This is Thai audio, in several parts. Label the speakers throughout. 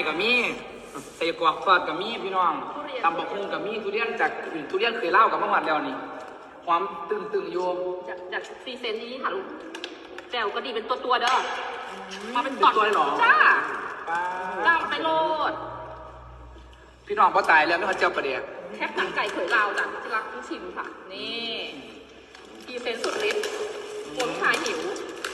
Speaker 1: กับมีใส่กรอกทอดกับมีพี่น้องตำบักหุ่งกับมีทุเรียนจากทุเรียนเคยเล่ากับเมื่อวานแล้วนี่ความตึงๆโยม
Speaker 2: จากซีเซนนี้ค่ะลูกแจ่วก็ดีเป็นตัวเด้อมาเป็น
Speaker 1: ตัวเลยหรอ
Speaker 2: จ้าจ้าไปโลด
Speaker 1: พี่น้องพอตายแล้วไม่เขาเจ้าประเดี๋ยว
Speaker 2: แคบหนังไก่เขยลาวจ้ะที่รักที่ชิมค่ะนี่ซีเซนสุดฤทธิ์คนชายหิว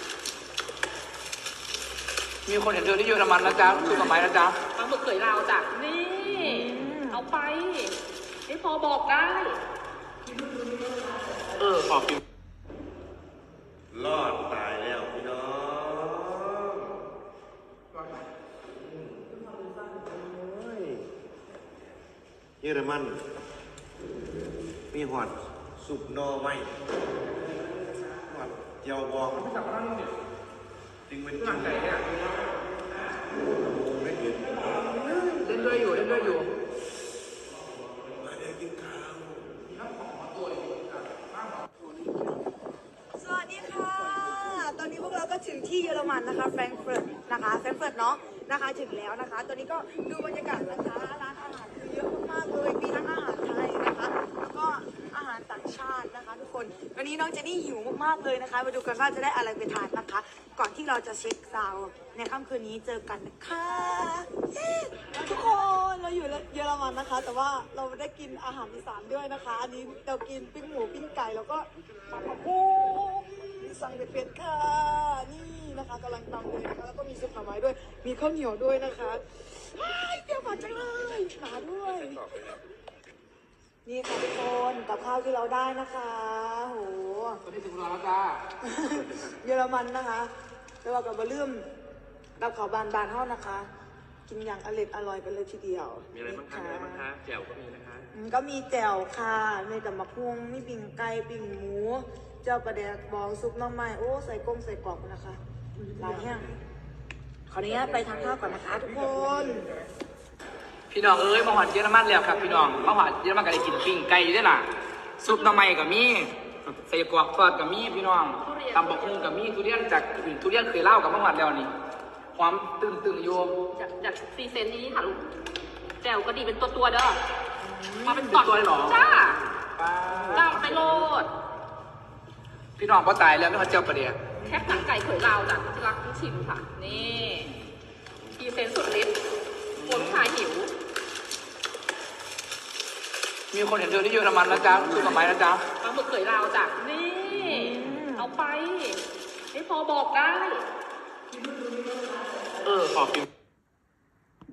Speaker 1: มีคนเห็นเธอที่เยอรมันนะจ๊ะสุดสมัยนะจ๊ะ
Speaker 2: ปลาหมึกเขยลาวจ้ะนี่เอาไปไม่พอบอกได้
Speaker 1: ขอบคุณ
Speaker 3: รอดตายแล้วพี่น้องเยอรมันมีหอดสุกนอไม้หอดเจียวบองจริงเป็นจริงไม่เห็น
Speaker 1: เล่นด้วยอยู่
Speaker 3: มาได้กินข้าว
Speaker 4: สวัสดีค่ะตอนนี้พวกเราก็ถึงที่เยอรมันนะคะแฟรงก์เฟิร์ตนะคะแฟรงก์เฟิร์ตเนาะนะคะถึงแล้วนะคะตอนนี้ก็ดูบรรยากาศนะคะร้านอาหารคือเยอะมากๆเลยมีทั้งอาหารไทยนะคะแล้วก็อาหารต่างชาตินะคะทุกคนวันนี้น้องเจนนี่หิวมากๆเลยนะคะมาดูกันว่าจะได้อะไรไปทานนะคะก่อนที่เราจะเช็คซาวน์ในค่ำคืนนี้เจอกันนะคะทุกคนเราอยู่เยอรมันนะคะแต่ว่าเราได้กินอาหารอีสานด้วยนะคะอันนี้เรากินปิ้งหมูปิ้งไก่แล้วก็ปลาโอ้สั่งเป็ดค่ะนี่นะคะกำลังตำเลยนะคะแล้วก็มีซุปหน่อไม้ด้วยมีข้าวเหนียวด้วยนะคะเปรี้ยวหวานจังเลยหนาด้วยนี่ค่ะทุกคนกับข้าวที่เราได้นะคะโห
Speaker 1: ตอนนี้ถึงแล้วจ้า
Speaker 4: เยอรมันนะคะแล้วเรากับบะลืมกับข้าวบานๆเท่านะคะกินอย่างอร่อยไปเลยทีเดียว
Speaker 1: มีอะไรบ้างคะแจ่วก็มีนะคะ
Speaker 4: ก็มีแจ่วค่ะมีแต่มะพร้าวมีปิ่งไก่ปิ่งหมูเจ้าประเดกบองซุปน้ำไม้โอ้ใส่กงใส่กรอบนะคะหลายแห้งขออนุญาตไปทานข้าวก่อนนะคะทุกคน
Speaker 1: พี่น้องมาหอดเยอรมันแล้วครับพี่น้องมาหอดเยอรมันก็ได้กินปิ้งไก่อยู่ด้วยล่ะซุปน้ำไม้กับมีใส่กรอกทอดกับมีพี่น้องตำบักหุ่งกับมีทุเรียนจากทุเรียนเคยเล่ากับเมื่อวานแล้วนี่ความตึงโยม
Speaker 2: จากซีเซนนี้ค่ะลูกแจ่วก็ดีเป็นตัวเด้อมาเป็น
Speaker 1: ตัวเลยหรอ
Speaker 2: จ้าจ้าไปโลด
Speaker 1: พี่น้องพอตายแล้วไม่เขาเจ้าประเดี๋ยว
Speaker 2: แคบหนังไก่เขยลาวจ้ะที่รักที่ชิมค่ะนี่ซีเซนสุดฤทธิ์คนชายหิว
Speaker 1: มีคนเห็นเธอที่เยอรมันนะจ๊ะสุดสมัยนะจ๊ะ
Speaker 2: ปลาหมึกเขยลาวจ้ะนี่เอาไปไม่พอบอกได้
Speaker 1: ขอบคุณ